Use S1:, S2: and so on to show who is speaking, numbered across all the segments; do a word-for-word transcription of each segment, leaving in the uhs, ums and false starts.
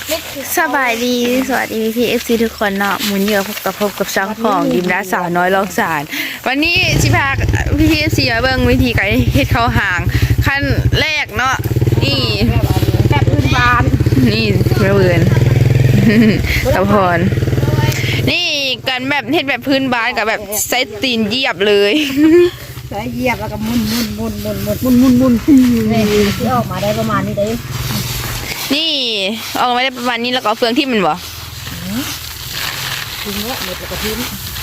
S1: สบายดีสวัสดีพี่เอฟซีทุกคนเนาะหมุนเยอะพบกับพบกับช่องของดิมดาสาวน้อยลองสารวันนี้ชิพาพี่พี่เอฟซีมาเบิ่งวิธีการเฮ็ดข้าวหางขั้นแรกเนาะนี่
S2: แบบพื้นบ้าน
S1: นี่เมื่อเบือนตะพรนี่กันแบบเฮ็ดแบบพื้นบ้านกับแบบใส่ตีนเหยียบเลย
S2: ใช้เหยียบแล้วก็มุนมุนมุนมุนมุนมุนมุนมุนนี่ที่ออกมาได้ประมาณนี้ได้
S1: นี่ออกมาได้ประมาณนี้แล้วก็เฟืองที่มันบ่
S2: ทิ้งละเม็ดแล้วก็ทิ้ง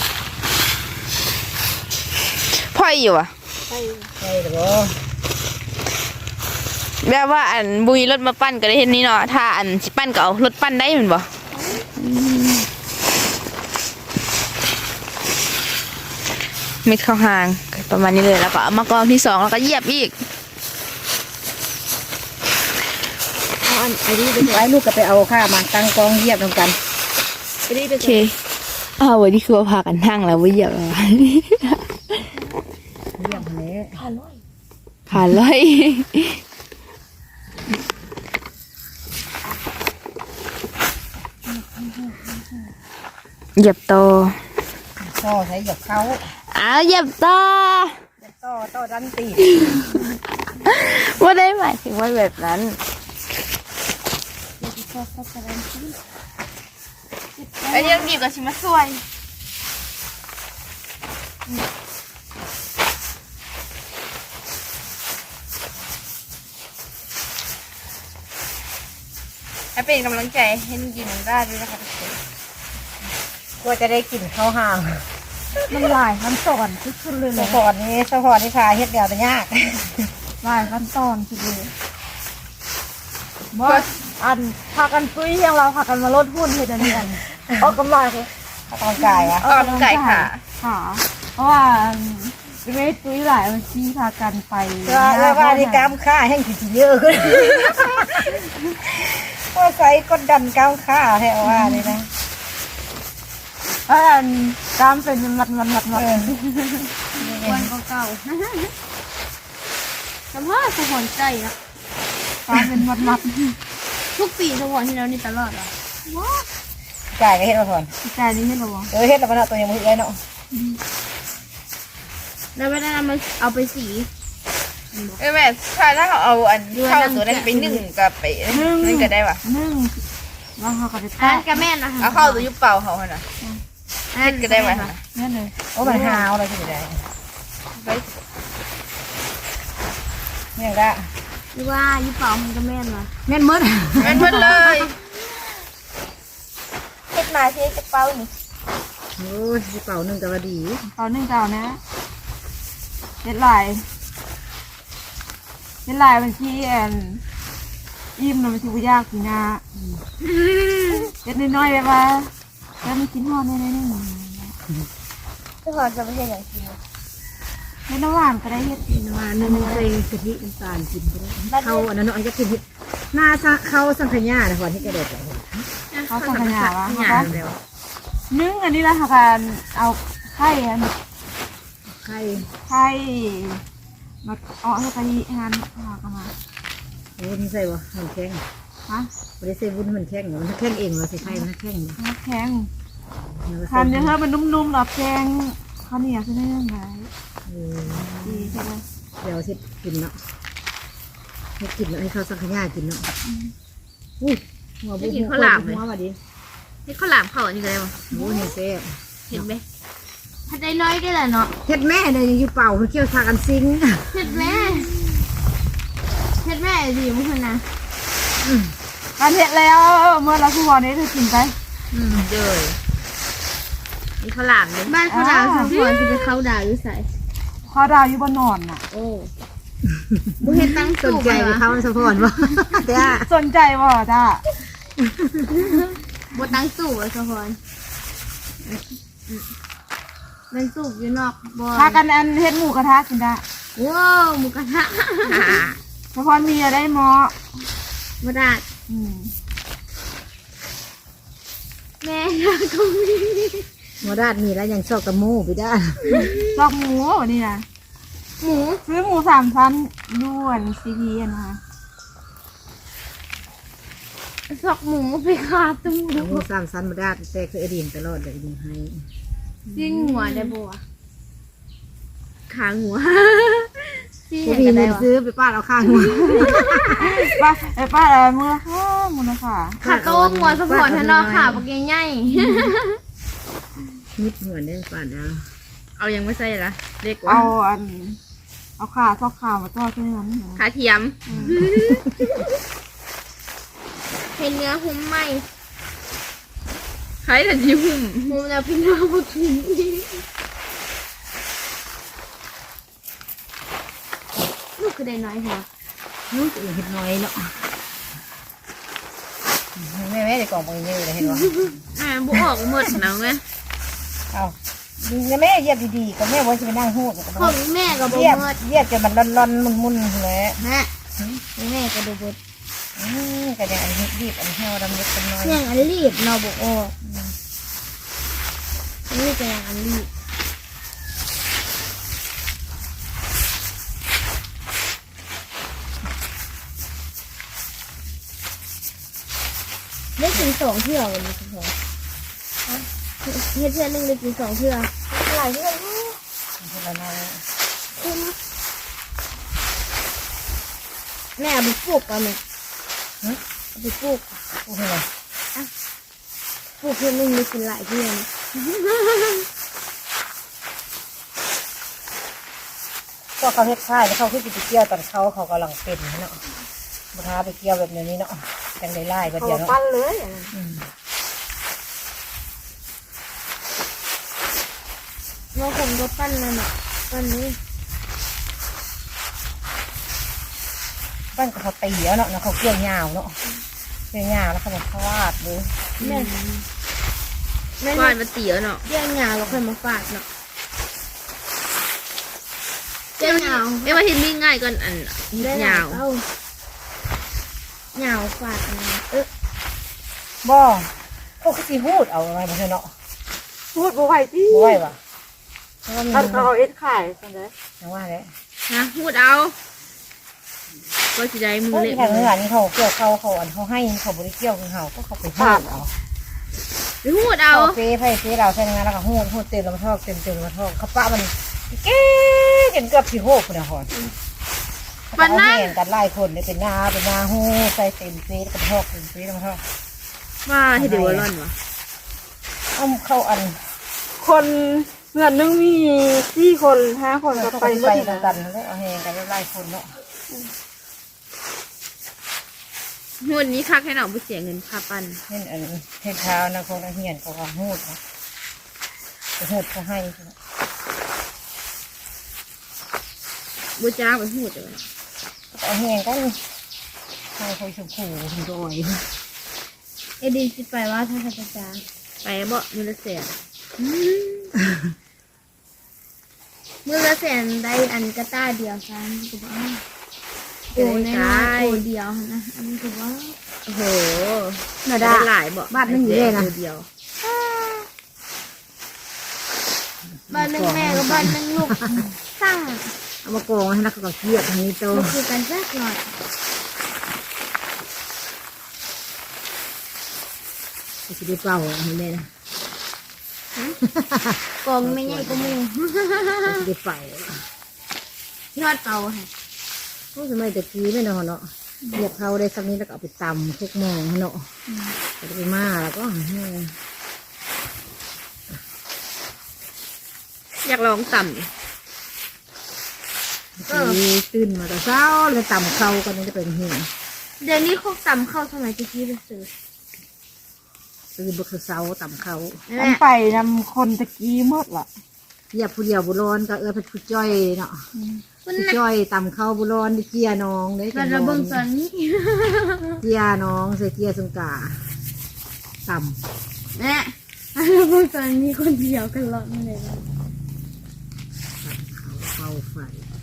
S1: พ่อยอยู่อ่ะ
S2: ใช่ใช่หรอ
S1: แบบว่าอันบุยรถมาปั้นก็ได้เห็นนี่เนาะถ้าอันสิปั้นก็เอารถปั้นได้เหมือนบ่เม็ดข้าวหางประมาณนี้เลยแล้วก็เอามากองที่สองแล้วก็เหยียบอีก
S2: อันไอ้นี่เป็นไอ้ลูกก็ไปเอาข้ามาตั้งกองเหยียบตรงกันไอ้นี่เป็น
S1: โอเคอ้าววันนี้คือว่าพากันนั่งแล้วว่าเหยียบแล้ว
S2: เหยียบนี้ขาลอย
S1: ขาลอยเหยียบโต
S2: ต่อใช้เหยียบเขา
S1: อ้าวเหยียบโต
S2: ต่อต่อดันตี
S1: ว่าได้หมายถึงว่าแบบนั้นไอ้ยังดีกว่าชิมาสวยให้เป็นกำลังใจให้นุ่งยินน้องได้ด้วยนะคะทุกคน
S2: กลัวจะได้กลิ่นข้าวห่างมันหลายขั้นตอนขึ้นเลยสะพอนนี้สะพอนที่พาเฮ็ดเดียวแต่ยากหลายขั้นตอนคือเลยว่าอันพากันปุ้ยอย่างเราพากันมาลดหุ้นเฮ็ดอันนี้อันออกกำลังเลยออกกำลังกายอะ
S1: ออกกำลังกายค่ะ
S3: ค่ะเพราะว่าไม่ตุ้ยหลายวันที่พากันไป
S2: แล้วว่าที่กล้ามข้าแห้งขีดเยอะขึ้นว่าใส่กดดันกล้ามข้าแท้ว่าเลยนะ
S3: เพราะอันกล้ามเป็นมัดมัดมัดมัด
S1: วันเก่า
S3: สมมติสมอนใจนะกล้ามเป็นมัดมัด
S1: ๆทุกปีทุกวันที่แล้วนี่ตลอดอ่ะ
S2: กายก็เฮ็ดมาก่อน
S3: ใจนี้ให้เราบอก
S2: เออเฮ็ดแล้วมันตัวยังมือเลยเนาะ
S3: แล้วไม่ได้นำมาเอาไปสี
S1: เออแม่ถ้าถ้าเขาเอาอันเข้าตัวนั้นไปนึ่งกับไปนั่นก็ได้ป่ะ
S3: นึ่งแล้วเขาก็จะ
S1: อั
S3: แตะ
S1: นกับแม่นะคะเอาเข้าตัวยุบเป่าเขาขนาดนั่นก็ได้ไหมคะ
S3: นั่นเลย
S2: โอ้มันหาวอะไรที่ไหน
S1: ไป
S2: เนี่ยก็
S3: หรือว่ายี่เป่ามันก็แม่นวะ
S2: แม่นมด
S1: แม่นเพิ่นเลยเฮ็ดมาสิจะเป่านี่
S2: โอ้ยเป่าหนึ่งแต่ว่าดี
S3: เป่าหนึ่งเก่านะเด็ดลายเด็ดลายมันที่แอนอิ่มนะมันที่บุยากกินนะเด็ดน้อยๆแบบว่าแล้วมันกินหอดน้อยๆนี่
S1: ทุกคนจะไม่ใช่อย่างกิน
S3: เฮ็ดน้ำหวานก็ได้เฮ็ด
S2: กินว่านึ่งใส่กะทิน้ำตาลกินไปได้เขาอันนั้นเนาะจะกินเฮ็ดหน้าเขาสังขยานะก่อนที่กระเด็ด
S3: เขาสังขยาวะเขานึ่งอันนี้ละค่ะการเอาไข่อัน
S2: ไข่
S3: ไข่มาเอาให้กะทิงานหากันมา
S2: โอ้นี่ใส่บ่มันแข็ง
S3: ฮะ
S2: ไม่ได้ใส่วุ้นมันแข็งมันแข็งเองเราใส่ไข่มันแข็ง
S3: น้ำแข็งทานเยอะมันนุ่มๆหลับแข็งข้าวเหนียวใช่ไหมยังไงดีใช่ไหม
S2: เดี๋ยวสิกินเนาะให้กินให้เขาสังขยากินเนาะอุ้ยหัวบุ้งหัวหัวมาดิ
S1: เฮ็ดข้าวหลามเข้าอันนี้ก็ได้ป่ะ
S2: โอ้นี่เซ่
S1: เห็นไหม
S3: ถ้าได้น้อยก็ได้เนาะ
S2: เฮ็ดแม่เลยยังอยู่เป่าเขาเกี่ยวทากันซิง
S3: เฮ็ดแม่เฮ็ดแม่ดีมั้งนะการเฮ็ดแล้วเมื่อเราผู้บอลนี้เธอกินไป
S1: อืมเด้อนี่ข้าวหลามเลย
S3: บ้านเขาดาวสองคนคือไปเข้าดาวอยู่ใส่เขาดาวอยู่บนนอนน่ะ
S1: โอ้บุเฮ็ดตั้ง
S2: ส
S1: สู
S2: น
S1: บ
S2: ใจ
S1: เลยวะ
S2: เขาสะพอนบ่แต่
S3: สนใจบ่จ้า
S1: บ่ตั้งสูบเลยทุกคนมันสูบอยู่นอกบ่
S3: พากันอันเฮ็ดหมูกระทะกินได้
S1: ว้าวหมูกระทะ
S3: เฉพาะมีอะไรหมอ
S1: บ่ได้
S3: อืม
S1: แม่ก็มี
S2: หมอดาดมีแล้วยังชอบตะมูไปได้
S3: ลอกหมูวันนี้นะ
S1: หมู
S3: ซื้อหมูสามชั้นด้วนซีพีนะคะ
S2: ซอกหมูไปขาดตู้
S4: เอาหมูสามชั้นมาได้แต่คือไอดีนตลอดเลยดีให้
S2: จิ้งหัวได้บัว
S1: ขาหัว
S2: จิ้ง
S4: ผู้
S2: เห็น
S4: พี่
S2: กันได้
S4: เงิน
S2: วะ
S4: ซื้อไปป้าดเอาข้างหัว
S3: ป้าไอ้ป้าอะไรมูลค่ามูลค่า
S2: ขาโต้หัวสปอร์ตทนอขาปากใหญ่
S4: นิดหัวได้ป้าดเอา
S1: เอายังไม่ใส่ละเล็กกว่า
S3: เอาอันเอาขาซอกขามาทอดที่นั้น
S1: ขาเทียม
S2: เห็นเนื้อหุ้มไหม
S1: ใครแต่ยิ้ม
S2: หุ้มแล้วพี่น้องบุตรลูกคือได้น้อยค่ะ
S4: ลูกอื่นเห็ดน้อยเนาะแม่แม่จะกล่องมือเยอะเลยเห็นวะ
S1: อ่าบุออกหมดแล้วไง
S4: เอาดีนะแม่เยียบดีๆก็แม่ว่าจะไปนั่งหูด
S2: ของแม่กับบุ
S4: เยียบ
S2: เมิด
S4: เยียบจนมันร้อนๆมุนๆเลย
S2: ฮะแม่ก็ดูบุตร
S4: อืมก็ยังอันนี้รีบอันเหี่ยวดำเล็กเป็นน้อย
S2: เรื่องอันรีบเนาะบุโออันนี้จะยังอันรีบได้กินสองเที่ยววันนี้คุณพ่อเฮ็ดเพื่อนหนึ่งได้กินสองเที่ยวหลายเที่ยว
S4: คนละน้อย
S2: แม่เอาไปปลูกกันไหมเอาไปปลูก
S4: โอ้โห
S2: ปลูกเพื่อนหนึ่งได้กินหลายเที่ยว
S4: ก็เขาเฮ็ดค่ายแล้วเขาขึ้นไปเกี่ยวตอนเขาเขากำลังเป็นเนาะบุท้าไปเกี่ยวแบบนี้เนาะจังได้ไล่ก็เดียวเนาะ
S3: ปั้นเลย
S2: เราผมก็ปั้นนั่นแหละปั้นนี้
S4: บ้านก็เขาตีแล้วเนาะเขาเกี่ยวยาวเนาะเกี่ยวยาวแล้วเขามาฟาดเลย
S2: แม่แม่
S1: วาดมาเตี๋ยวเนาะ
S2: เยี่ยงหยาเราค่อยมาฝาดเนาะเยี่ยงหยา
S1: ไม่ว่าเห็นมีง่ายก่อนอันเห็ดยาว
S2: หยาวฝาดนะเออ
S4: บ่เขาคือสีหูดเอาอะไรมาเถอะเนาะ
S3: พูดบ่ไหวที่
S4: บ่ไหวว่ะเพราะว่ามี
S3: อันเขาเอาเอ็ดขายใช่ไหม
S4: อย่างว่าเลย
S1: นะพูดเอา ก็จะได้มือ
S4: เฮ้ย
S1: เล็ก
S4: ทางเนื้อนี่เขาเกี่ยวเขาเขาอันเขาให้เขาบริเกี่ยวกับเขาก็เขาไปหูดเอา
S1: หรือพูดเอา
S4: เขาเฟ้ไฟเฟ้เราใช่ไหมแล้วก็หูดหูดเต็มลำทอกเต็มเต็มลำทอกเขาปะมันเก๊จนเกือบสี่หกคนนะฮอนมันนั่งกันไล่คนเลยเป็นงาเป็นงาหูใส่เต็มเฟ้ลำทอกเต็มเฟ้ลำทอก
S1: ว่าให้เดี๋ยวร้อนวะ
S4: เอาเข้าอัน
S3: คนเงินนึงมีสี่คนห้าคน
S4: เขา
S3: ก็
S4: ไป
S3: ไป
S4: ไป
S3: เมื่อ
S4: กันแล้วเอาแหงกันไล่คนเนาะ
S1: หวดนี้คักให้หน่อผู้เสียเงินค่าปั้น
S4: เห็นอันเห็นเท้านะคงเหียนเขาก็หูดนะหูดเขาให้
S1: บูจ้าเป็นหูดเลย
S4: เอาแหงกันให้เขาชมพูชมโดย
S2: เอดีสิไปว่าถ้าจะจะจ้า
S1: ไปบ่มือละเสีย
S2: มือละแสนได้อันกระต้าเดียวซ้ำถูกป่ะโอ้ในน้อยโอ้เดียวนะอันนี้ถูกว่า
S1: โอ้โห
S4: น่า
S1: ได้
S4: ได้
S1: หลายบ่
S4: บ้านนึงอยู่เลยนะ
S1: เดียว
S2: บ้านหนึ่งแม่กับบ้านหนึ่งลูกสร้าง
S4: เอามากองให้นักก็เกียดทางนี้โต
S2: มันคือกันสักหน่อย
S4: จะได้เป่าเห็นไหมนะ
S2: กองไม่ใหญ่ก็มู
S4: จะได้เป่าย
S2: อดเตาค่ะ
S4: พวกสมัยตะกี้ไม่เนาะเนาะเหยียบเขาได้สักนี้แล้วก็เอาไปตำทุกมองเนาะจะไปมาแล้วก็
S1: อยากลองต่ำ
S4: มีตื่นมาแต่เช้าเลยตำเขากันนี่จะเป็นหิ่ง
S2: เดี๋ยวนี้เขาตำเข้าสมัยตะกี้ไปซื้อ
S4: ตื่นบุกเช้าตำเขา
S2: นั่นแห
S3: อัน
S2: ละ
S3: ไปนำคนตะกี้หมดล่ะ
S4: เหยียบผู้เดียวบุร้อนก็เออเป็นผู้จ้อยเนาะ
S2: คุณ
S4: ผู้
S2: นะ
S4: จ้อยตำเขาบุร้อนได้เกียน้องได้
S2: มันระเบิงตอนนี้
S4: เกียน้องใส่เกียสงกาตำ
S2: แน่ระเบิงตอนนี้คนเดียวกันหลอดไม่เลยนะ
S4: เฝ้าไฟ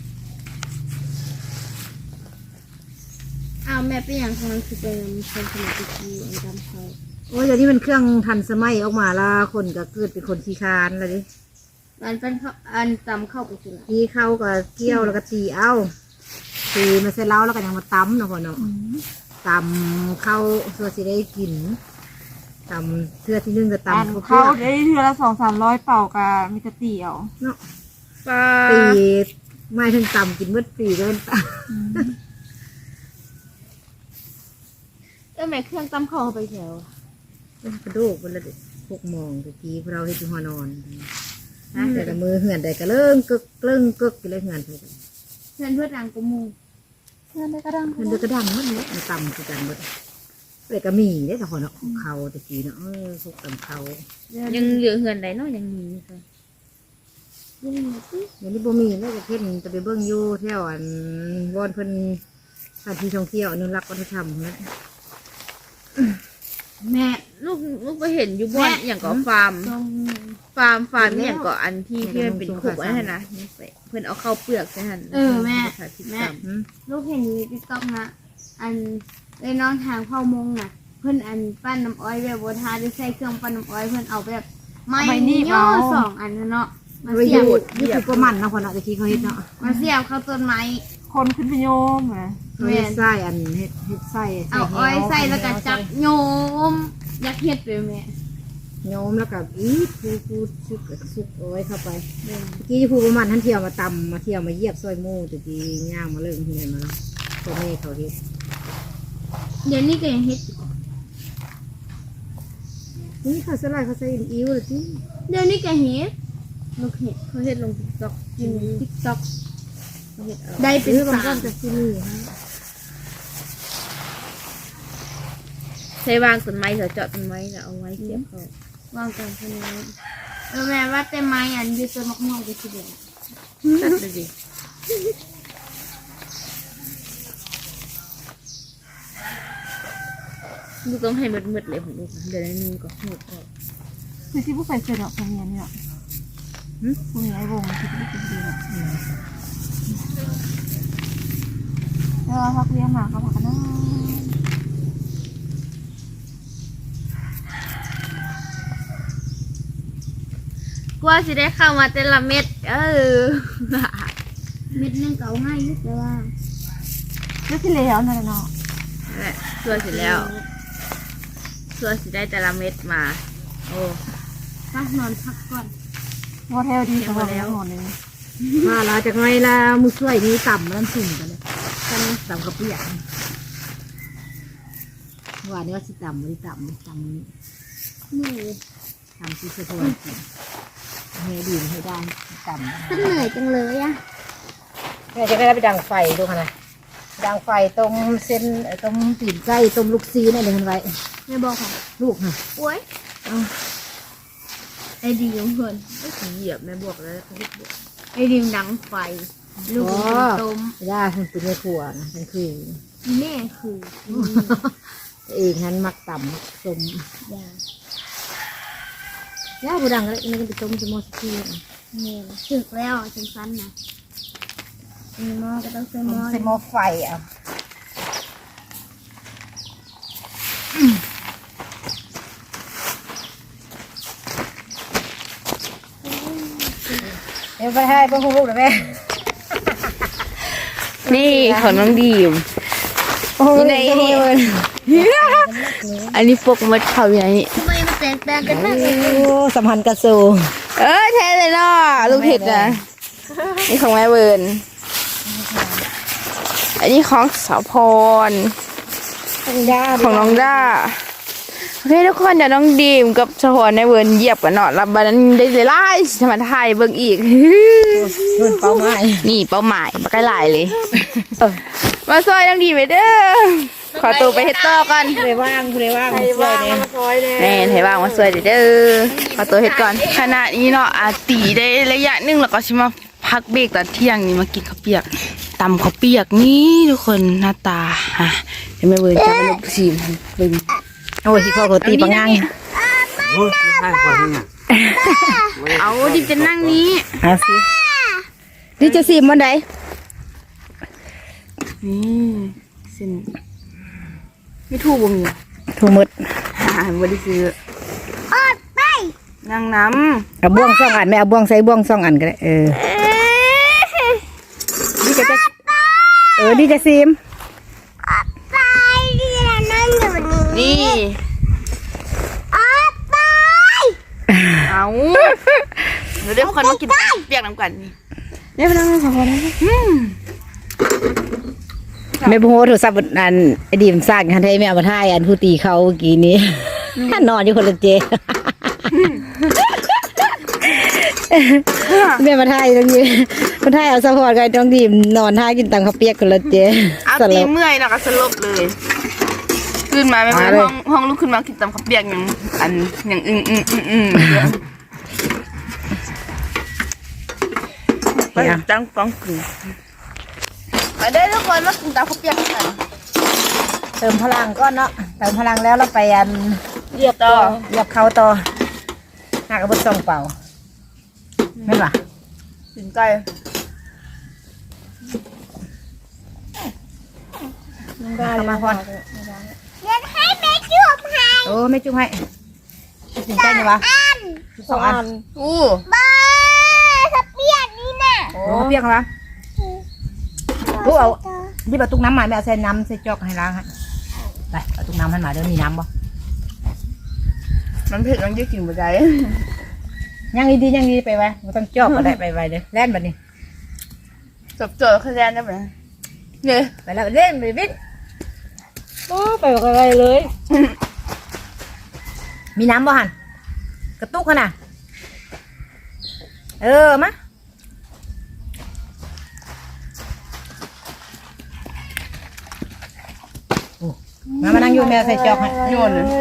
S2: อ้าวแม่เป็นอย่างของมันคือเป็นคนสมัยตะกี้อันจำเขา
S4: โอ้ยเดี๋ยวนี้มันเครื่องทันสมัยออกมาและคนก็เกิดเป็นคนขี้คร้านเลยดิ
S2: มันเป็นเขาอันตำเข้าไปสิละ
S4: ตีเข้าก็เกี่ยวแล้วก็ตีเอาตีมาเสร็จแล้วแล้วก็ยังมาตำเนาะพ่อเนาะตำข้าวส่วนสิได้กินตำเทื่อที่นึ่งก็
S3: อัน
S4: ตำ
S3: เขาได้เทือละสองสามร้อยเป่ากับมีกระเตี๋ยว
S4: เนาะ
S1: ปลา
S4: ปีไม่ถึงตำกินเมื่อปีก็เป็นต
S1: เออแม่เครื่องตำข้าวไปแถว
S4: ำกระดูกวันละหกโมงตะกี้พวกเราให้ที่หัวนอนนะแต่ละมือเหือนแต่ก็เริ่มกึกเริ่มกึกเลยเหือนเลย
S1: เพื่อนเพื่อนดังกูมู
S3: เพื่อนได้กระดัง
S4: มันเดือกระดังมันเนี่ยมันตำคือกันหมดเลยก็มีได้แต่คนเนาะเขาตะกี้เนาะเออพวกตำเขา
S1: ยังเหลือเหือนใดเนาะยังมีค่ะ
S4: อย่างนี้บ่มีแล้วจะเพ่นจะไปเบิ้งอยู่แถวอันวอนเพิ่นสถานที่ท่องเที่ยวอนุรักษ์วัฒนธรรมนะ
S1: แม่ลูกลูกไปเห็นอยู่บ้านอย่างก็ฟาร์มฟาร์มฟาร์มอย่างก็อันที่ที่มันเป็นขุกอันนั้นนะเพื่อนเอาเข้าเปลือกใช่ไหม
S2: เออแม่
S1: แม่
S4: อืม
S2: ลูกเห็นในติ๊กต็อกนะอันเลยน้องทางเผามงน่ะ เพื่อนอันปั้นน้ำอ้อยแบบบนทาด้วยใส่เครื่องปั้นน้ำอ้อยเพื่อนเอาแบบไม้ย่อสองอันนะเนาะมา
S4: ประ
S2: เสี
S4: โย
S2: ยบ
S4: ชน์นี่คือประมันเนาะคนเนาะตะกี้เขาเฮ็ดเนาะ
S2: มาเสียบเข้าต้นไม้
S3: คนขึ้นพยมอ่ะ
S4: เขาเฮ็ดไส้อันเฮ็ดเฮ็ดไส้
S2: เอาอ้อยใส่แล้วก็จับโยมอยากเฮ็ดไปแม่
S4: โยมแล้วก็อีทพูพูซุกซุกเอาไว้เข้าไปตะกี้ผู้ประมันท่านเที่ยวมาตำมาเที่ยวมาเยียบซอยหมูตะกี้ย่างมาเริ่มที่ไหนมาแล้วตัวนี้เขาเฮ็ด
S2: เดี๋ยวนี้ก็ยังเฮ็ดอยู่
S4: นี่เขาสลายเขาใส่อิ้วเลยที่
S2: เดี๋ยวนี้ก็เฮ็ดลูกเฮ็ด
S1: เขาเห็ดลงติ๊กต็อก
S2: กินติ๊กต็อก
S1: เขาเห็ดเอา
S2: ได้เป็น
S4: ซื้อบาง
S2: สา
S4: ก้อ
S2: ม
S4: นจากที่นี่ฮะ
S1: ใช้วางต้นไม้เถอะเจาะต้นไม้แล้วเอาไว้เสียบเขา
S2: วางกันคนนี้เออแม่ว่าแต่ไม้อันอยู่ต้นมะม่วงก็สิเดือด
S1: ตัดเลยดิลูกต้องให้มืดๆเลยของลูกนะเดี๋ยวนี้ก็หูออก
S3: คือที่ผู้ใส่เสื้อเนาะตรงนี้เนี่ยผู้มีไอ้วงที่ผู้กินดีเนาะแล้วพักเลี้ยงมาเขาพักกันนะ
S1: กว่าสิได้เข้ามาแต่ละเม็ด เออ
S2: เม็ดนึงก็เอาง่ายอยู่แต่ว่า
S3: แล้วที่เหลือนั่นแหละเนาะ
S1: นั่นแหละส่วนสิแล้วส่วนสิได้แต่ละเม็ดมา โอ้
S2: พักนอนพักก่อน
S3: โมเทลดีสำหรับแล้วหมดเลย
S4: มาลาจากไงล่ะมือช่วยนี่ต่ำมันสุ่มกันเลยกันต่ำกับเปียกว่านี่ว่าสิต่ำไม่ต่ำต่ำนี้
S2: นี่
S4: ต่ำที่สะท้อนกินให้ดีให้ได้ต่ำ
S2: ฉันเหนื่อยจังเลยอะ
S4: แม่จะได้ไปดังไฟดูค่ะนะดังไฟต้มเส้นต้มปีนไก่ต้มลูกซีนั่นเลยมันไว้
S2: แม่บอกค่ะ
S4: ลูกค่ะ
S2: โอ้ย
S4: เอา
S2: ไอดีของเพื่อน
S1: ไม่ถึงเหยียบแม่บวกแล้วเขาเรียกบวก
S2: ไอดีมดังไฟ ลูกเป็นต้ม
S4: ย่าคุณเป็นแม่ครัวนะเป็นคือ
S2: แม่คือ
S4: เองนั้นมักต่ำต้ม
S2: ยา
S4: ย่าบูดังแล้วนี่ก็ไปต้มจะมอสกี้
S2: แม่ถึกแล้วจังสันนะมีหม้อก็ต้องใส่หม้อ
S4: ใส่หม้อไฟอ่ะเดี๋ยวไปให้เพื่อนลูกเดี๋ยวแม่
S1: นี่ของน้องดีม
S4: นี่ในนี่
S1: อันนี้พวกมัดเขาอย่างนี้
S2: ทำไมมันแตกต่างกันมากเลย
S4: โอ้สัมพันธ์กระสู
S1: เออแท้เลยเนาะลูกเห็ดนะนี่ของแม่เวิร์นอันนี้ของสาวพร ของน้องด้าโอเคทุกคนเดี๋ยวน้องดีมกับสาวพรในเวิร์นเหยียบกันเนาะรับบันนั้นได้เลยไล่สมาถ่ายเบิ่งอีก
S4: เพื่อนเป้าหมาย
S1: นี่เป้าหมายมาใกล้หลายเลยมาซอยน้องดีมไปเด้อขอตัวไปเฮ็ดต่อกัน
S4: คุณเลยว่างคุณเลยว่างคุณช่วยเนี่ย
S1: แม่ไทยบ้างมาสวยเด้อขอตัวเฮ็ดก่อนขณะนี้เนาะอาตีได้ระยะหนึงแล้วก็สิมาพักเบรกตอนเที่ยงนี่มากินข้าวเปียกตำข้าวเปียกนี่ทุกคนหน้าตาฮะเดี๋ยวแม่เวิร์นจะมาลบซีมเบิ่ง
S4: โอ้ยที่พ่อเขาตีปังงัง
S5: โอ้ยไม่ใช่คนนี้
S1: เอาดิบจะนั่งนี้
S4: เอาสินี่จะซีมวันใด
S1: นี่เส้นไม่ถูกบ่มี
S4: ถูกหมด
S1: อ่าบ่ได้ซื้ออดไปนั่งน้
S4: เอาบ่วงสองอันไม่เอาบ่วงใส่บ่วงสองอันก็ได้เออนี่จะจะเออนี่จะซีม
S2: ไปเรีย
S1: นี่เอาเดี๋ยวเดี๋ยวคนมากินเปียกน้ำกันนี่เดี๋ยวไปนั่งสองคนอืม
S4: ไม่พูดโทรศัพท์อันไอดีมสร้างคันให้แม่เอามาถ่ายอันผู้ตีเขาเมื่อกี้นี้นอนอยู่คนละเจแม่มาถ่ายตรงนี้มาถ่ายเอาสปอร์ตกันตรงดีมนอนท่ากินตังข้าวเปียกคนละเจ
S1: เอาตีเมื่อยแล้วก็สลบเลยขึ้นมาไม่เป็นห้องห้องลุกขึ้นมากินตำข้าวเปียกอย่างอันอย่างอึ้งอึ้งอึ้งอึ้งไปจังฟังกึ่งไปได้ทุกคนมากินตำข้าวเปียกกัน
S4: เติมพลังก็เนาะเติมพลังแล้วเราไปอัน
S1: เรียบต่อ
S4: เหยียบเขาต่อหากระบุส่งเป่าไม่ป่ะ
S1: กินไก่
S4: เข้ามาพอน
S2: เรียนให้แม่จุบให้
S4: โอ้ไม่จุ๊บให้ถึงใกล้เนี่ยวะสองอัน
S1: อู้
S2: บ้าสเปียกนี่น่ะ
S4: โอ้เปียกเหรอลูกเอาที่ประตูน้ำมาแม่เอาใส่น้ำใส่จอกให้ล้างให้ไปประตูน้ำให้มาเดี๋ยวมีน้ำบ่
S1: มันเผ็ดมันจะกินบ่ได้
S4: ยังดียังดีไปไว้ไม่ต้องจอกก็ได้ไปไว้เลยแล่นแบบนี้
S1: จบเจอคะแนนได้ไหมเนี่ย
S4: ไปแล้วเล่นไปวิ่งโอ้ไปกับอะไรเลย มีน้ำบ่หันกระตุกขนาดเออมะมามานั่งอยู่แมวใส่จอกให้
S1: โยนเลย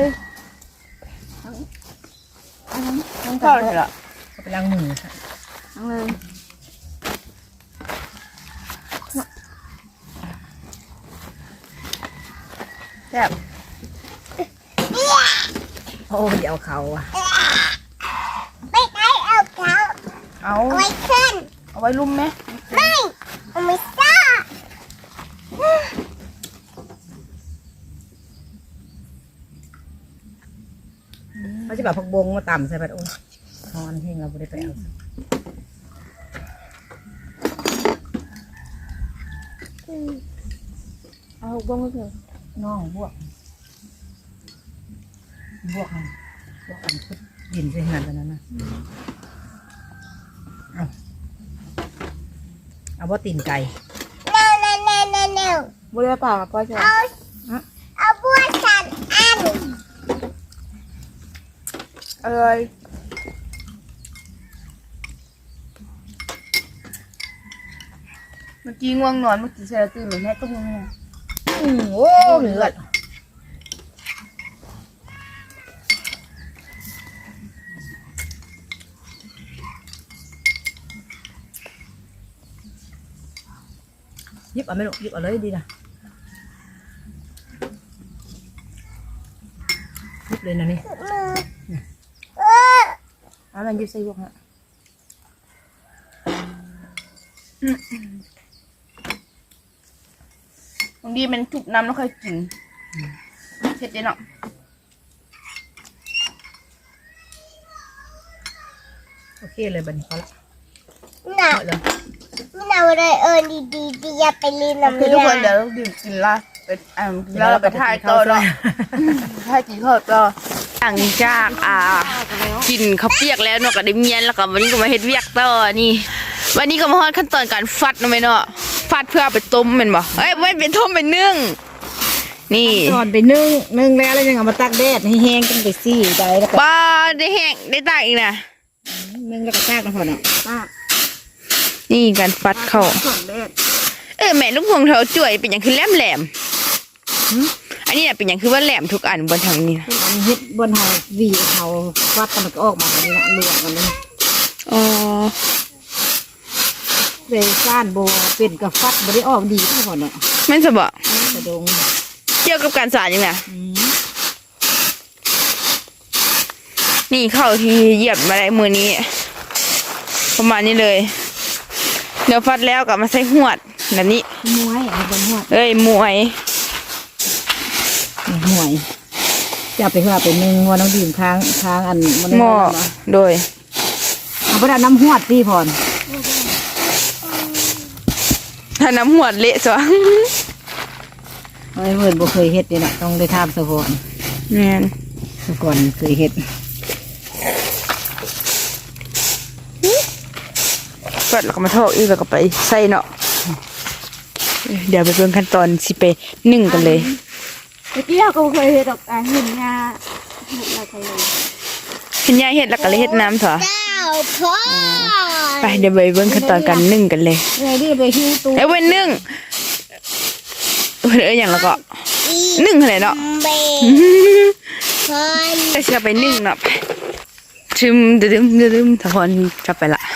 S1: ต้องเข้าเลยเหรอ
S4: ไปล้างมือค่ะ
S1: ทั้งเลยแซ่บ
S4: โอ้เดี๋ยวเขาอ่ะ
S2: ไม่ได้เอาเขา
S1: เอา
S2: ไว้ขึ้น
S1: เอาไว้ลุ่มไหม
S2: ไม่เอาไม่ซ่า
S4: เขาจะแบบผักบงมาต่ำใส่ไปโอ้ทอนเฮงเราไม่ได้ไปเอา
S1: เอาบ้งก็คือ
S4: น้องบวกบวกมันบวกมันพุดดินใส่ขนาดนั้นนะเอาเอาว่าตีนไก่
S2: เร็วเร็วเร็วเร็วเร็ว
S1: บุเรียป่าป้าจะ
S2: เอาเอาบัวสันอัน
S1: เอ้ยเมื่อกี้ง่วงนอนเมื่อกี้เชลตื่นเหมือนแม่ตุ้มเลย
S4: อืมโอ้เหลือดยิบเอาไม่ลูกยิบเอาเลยดีนะยิบเลยนะนี่
S2: มือเออ
S4: เอามันยิบใส่พวกฮะ
S1: บางทีมันจุกน้ำแล้วค่อยกินเผ็ดเลยเนาะ
S4: โอเคเลยบัดนี้พอละ
S2: น่ะ
S4: เอาเลย
S2: เราเลยเออดีดีดีอย่าไปลีนน้ำ
S1: คือทุกคนเดี๋ยวเราดื่มกินละไปอ่าแล้วเราไปถ่ายต่อเนาะถ่ายกินข้าวต่อหลังจากอ่ากินข้าวเปียกแล้วเนาะก็ได้เมียนแล้วก็วันนี้ก็มาเฮ็ดเวียกต่อนี่ วันนี้ก็มาฮอดขั้นตอนการฟัดเนาะแม่เนาะฟัดเพื่อเอาไปต้มแม่นบ่เอ้ยไม่เป็นต้มเป็นนึ่งนี่
S4: ตอนไปนึ่งนึ่งแล้วแล้วยังเอามาตักแดดให้แห้งกันไปซี่ได้แล้วก็
S1: ปลาได้แห้งได้ตากอีกนะ
S4: นึ่งแล้วก็ตากนะพ่อเนาะตาก
S1: นี่การฟัดเข้า
S4: ส่วนแดด
S1: เออแม่ลูกพวงเธอจ่วยเป็นอย่างคือแหลมแหลมๆอันนี้น่ะเป็นอย่างคือว่าแหลมทุกอันบนทางนี้นะ
S4: อันนี้เฮ็ดบนเฮาวีเฮาฟัดกันมันก็ออกมาแบบนี้นะลวกกันเลย
S1: อ๋อ
S4: เลยก้านโบเป็นกับฟัดบ่ได้ออกดีทุกคนเนาะ
S1: แม่นจะบอก
S4: กระดง
S1: เกี่ยวกับการสารยังไง
S4: อืม
S1: นี่เข้าที่เหยียบมาได้มือนี้ ประมาณนี้เลยเดี๋ยวฟัดแล้วกลับมาใส่หวดแบบนี้
S4: มวยเอาบนหัว
S1: เอ้ยมวย
S4: นี่มวยจะเอาไปเพื่อไปนึ่งว่าน้องดื่มค้างค้างอันมัน
S1: หม้อโดย
S4: เอาไปเอาน้ำหวดพี่พร
S1: ถ้าน้ำหวดเละจ้ะ
S4: เอ้ยเพิ่นบ่เคยเฮ็ดนี่น่ะต้องได้ทำซะพร
S1: แม่น
S4: เมื่อก่อนเคยเฮ็ด
S1: ก็แล้วก็มาทอดอีกแล้วก็ไปใส่เนาะเดี๋ยวไปเบิ่งขั้นตอนสิไปนึ่งกันเลย
S3: เมื่อกี้เราก็เคยเห็นดอกอ่ะเห็นงาเห็นเราเคยเลย
S1: เห็นยายเฮ็ดแล้วก็เลยเฮ็ดน้ำเถอะ
S2: เจ้าพ่อ
S1: ไปเดี๋ยวไปเบิ่งขั้นตอนการนึ่งกันเลย
S3: ไงดิไปหิ้วตู้
S1: เอ้ยเว้นนึ่งเอ้ยเอ้ยอย่างแล้วก็นึ่งเท่าไหร่เนาะ
S2: เบคน
S1: แต่เชื่อไปนึ่งเนาะไปชึมดึมดึมดึมถ้าพอนจะไปละ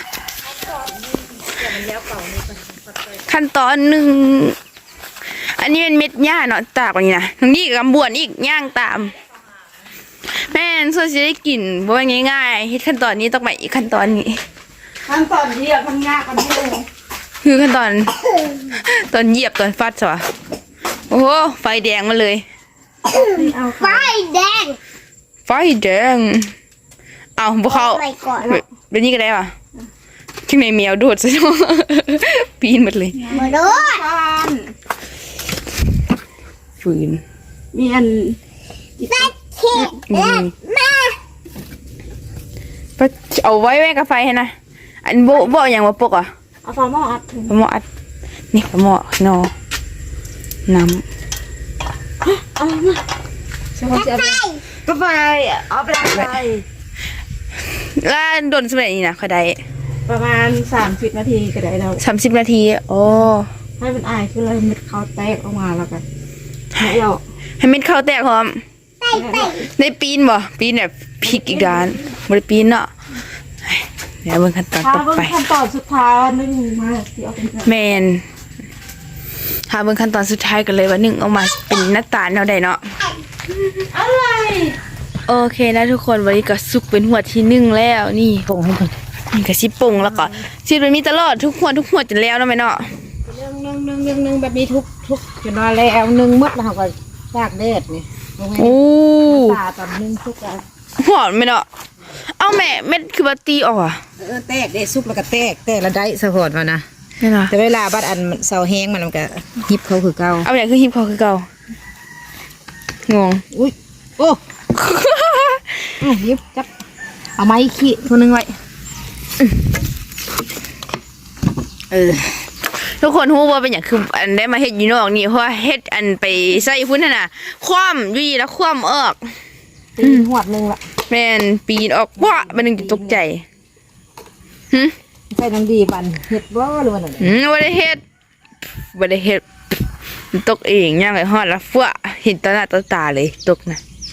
S1: ขั้นตอนหนึ่งอันนี้เป็นเม็ดหญ้าเนาะตากกว่านี้นะทั้งนี้กับบวนอีกย่างตาม แม่นส่วนจะได้กลิ่นบ่ว่าง่ายๆเฮ็ดขั้นตอนนี้ต้องไปอีกขั้นตอนนี้
S3: ขั้นตอนที่เราทำงานกันที่เลย
S1: คือขั้นตอน ตอนเหยียบตอนฟัดใช่ปะโอ้โหไฟแดงมาเลย
S3: เอา
S2: ไฟแดง
S1: ไฟแดงเอาบุเข้า
S2: ไปก่อน
S1: แบบนี้ก็ได้ปะข้างในแมวโดดซะเนาะ ปีนหมดเลย
S2: มาดู
S3: บ้าน
S1: ฝืน
S3: มีอัน
S2: ตัดเข็ดแม่แม่
S1: เอาไว้ไว้กับไฟให้นะอันโบโบอย่างว่าปกอ่ะ
S3: เอาฝาหม้ออัดถึง
S1: ปลาหม้ออัดนี่ปลาหม้อข้างนอกน้
S3: เอามาใช่ไหมจะก็ไปเอาไปไป
S1: ำแล้วโดนสมัยนี้นะเขาได้
S3: ประมาณสามสิบนาทีก็ได้แล้ว
S1: สามสิบนาทีโอ้
S3: ให้มันอายคือเลยเม็ดเขาแตกออกมาแล้วกันให้เรา
S1: ให้เม็ดข้าวแตกพร้อม
S2: ไปไป
S1: ได้ปีนบ่ปีนแบบพลิกอีกด้านบ่ได้ปีนเนาะเดี๋ยวเบิ่งขั้นตอน
S3: ถ้า
S1: ต่อ
S3: เบิ่ง
S1: ไป
S3: ขั้นตอนสุดท้ายนึ่งมาที่เอาเป็น
S1: แมนถ้าเบิ่งขั้นตอนสุดท้ายกันเลยว่าหนึ่งออกมาเป็นหน้าตาแนวใดเนาะ
S3: อะไร
S1: โอเคนะทุกคนวันนี้ก็สุกเป็นหัวที่หนึ่งแล้วนี่
S4: ส่งให้เพิ่น
S1: นี่ก็สิปรุงแล้วก็ชีวิตมันมีตลอดทุกหัวทุกหัวจนแล้วเนาะแม่เนาะ
S4: นึ่งนึ่งนึ่งนึ่งนึ่งแบบนี้ทุกทุกจนว่าแล้วนึ่งหมดแล้วเขาก็ตากแดดนี่ลงให้
S1: โอ้
S4: ตาตอนนึ่งทุกแล้ว
S1: หอมแม่เนาะเอาแม่เม็ดคือบัตตีออกอ่ะ
S4: เออแตกได้ซุกแล้วก็แตกแตกแล้วได้สะพอดมานะ
S1: แม่เนาะ
S4: แต่เวลาบัดอันมันเสาแห้งมันมันก็ยิบเขาคือเก่า
S1: เอาอย่างคือฮิปพอคือเก่างง
S4: อุ้ยโอ้อ่ะยิบจับเอาไม้ขี้ตัวหนึงไว้เออ
S1: ทุกคนรู้ว่าเป็นอย่างคืออันได้มาเฮ็ดอยู่นอกนี่เพราะว่าเฮ็ดอันไปใส่พุ่นน่ะนะคว่ำอยู่ดีแล้วคว่ำออก
S4: ตีหวดหนึงละ
S1: แม่นปีนออกว้ามันนึงจะตกใจหึ
S4: ใส่น้ำดีบันเห็ดบ่หรือว่าอะไร
S1: อืมบ่ได้เฮ็ดบ่ได้เฮ็ดมันตกเองย่างไอ้ฮอดแล้วฟัวเห็นต่อหน้าต่อตาเลยตกนะ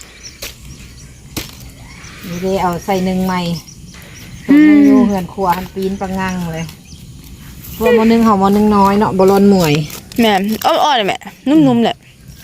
S4: นี่ได้เอาใส่หนึ่งใหม่ตัวหนึงอยู่เหือนครัวหันปีนปังงังเลยพวกมอหนึงเห่ามอหนึงน้อยเนาะบอลอนหมวย
S1: แม่นอ่อนๆเลยแม่นุ่มๆแหละ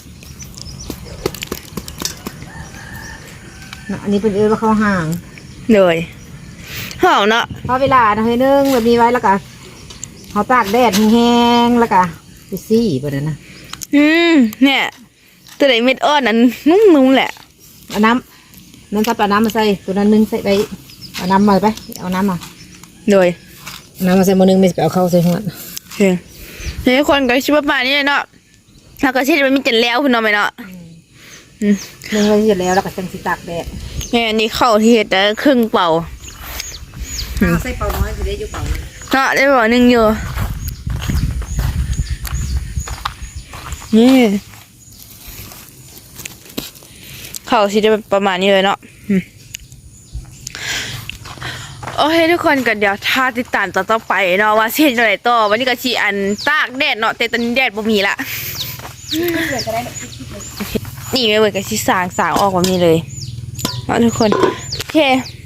S4: เนาะอันนี้เป็นเอื้อว่าเขาห่าง
S1: เลยหอมเนาะ
S4: พอเวลาเฮ้ยนึงแบบนี้ไว้แล้วก็เขาตากแดดแห้งๆแล้วก็ไปซี่ไปเลยนะ
S1: อืมเนี่ยตัวไหนเม็ดอ่อนนั้นนุ่มๆแหละ
S4: เอาน้ำน้ำซับเอาน้ำมาใส่ตัวนั้นนึงใส่ไปเอาน้ำมาไปเอาน้ำมา
S1: เลย
S4: เอาน้ำมาใส่มอหนึงไม่ไปเอาเข้าใส่หัว
S1: เฮ้ยเฮ้ยคนก็ชิบประมาณนี้เลยเนาะแล้วก็เช่นมันมีเจ็ดแล้วคุณน้องไหมเนาะอืม
S4: นึ่งไว้เสร็จแล้วแล้วก็จังสิตากแดด
S1: แม่อันนี้เข้าที่เฮ็ดแต่ครึ่งเป่า
S4: เอาใส่เป่าน้อยจะได้อยู่เป่า
S1: เนาะได้บอกหนึ่งอยู่นี่เขาสิจะเป็นประมาณนี้เลยเนาะอืมโอเคทุกคนก็เดี๋ยวถ้าติดตามต่อต่อไปเนาะว่าเส้นอะไรต่อวันนี้ก็ชีอันตากแดดเนาะแต่ตอนนี้แดดบ่มีละโอเคนี่ไม่เหมือนกับชีสางสางออกแบบนี้เลยเนาะทุกคนโอเค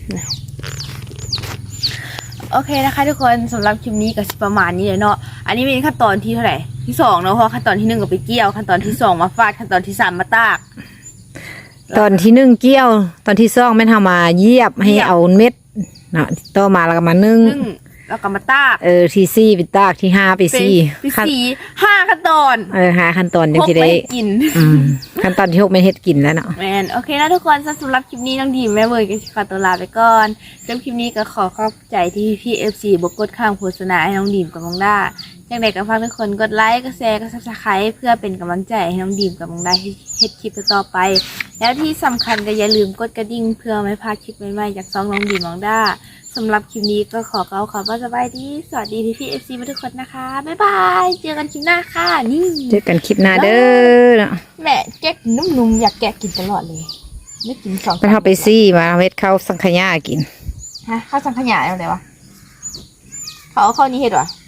S1: โอเคนะคะทุกคนสำหรับคลิปนี้ก็สิประมาณนี้เลยเนาะอันนี้เป็นขั้นตอนที่เท่าไหร่ที่สองเนาะเพราะขั้นตอนที่หนึ่งก็ไปเกี่ยวขั้นตอนที่สองมาฟาดขั้นตอนที่สามมาตาก
S4: ตอนที่นึ่งเกี้ยว ตอนที่ซ่องแม่นทำมาเยียบให้
S1: เยียบ
S4: เอาเม็ดเนาะต่อมาแล้วก็มานึ่ง
S1: นึ่งแล้วก็มาตาก
S4: เออที่ซี่ไปตากที่ห้าไป
S1: เป็น
S4: ซี่
S1: ที่
S4: ขั้น
S1: สี่ห้าขั้นตอน
S4: เออหาขั้นตอนยัง
S1: พก
S4: ที่
S1: ไป
S4: ได้
S1: ให้กิน
S4: อืมขั้นตอนที่หกไม่เฮ็ดกินแล้วเนาะ
S1: แมนโอเคนะทุกคนสำหรับคลิปนี้น้องดีมแม่เวย์ก็ขอตัวลาไปก่อนสำหรับคลิปนี้ก็ขอขอบใจที่พี่เอฟซีบกดข้ามโฆษณาให้น้องดีมกับน้องด้าอย่างไรก็ฝากทุกคนกดไลค์กดแชร์กดซับสไครต์เพื่อเป็นกำลังใจให้น้องดีมกับน้องด้าเฮ็ฮ็ดคลิปต่อไปแล้วที่สำคัญก็อย่าลืมกดกระดิ่งเพื่อไม่พลาดคลิปใหม่ๆจากซองน้องดีมองด้าสำหรับคลิปนี้ก็ขอกล่าวคำว่าสบายดีสวัสดีพี่พี่เอฟซีทุกคนนะคะบ๊ายบายเจอกันคลิปหน้าค่ะนี่
S4: เจอกันคลิปหน้าเด้อเนาะ
S1: แม่แกะนุ่มๆอยากแกะกินตลอดเลยไม่กินสอง
S4: ไปเฮาไปซี่มาเฮ็ดข้าวสังขยากิน
S1: ฮะข้าวสังขยาอะไรวะเขาเอาข้าวนี้เห็ดวะ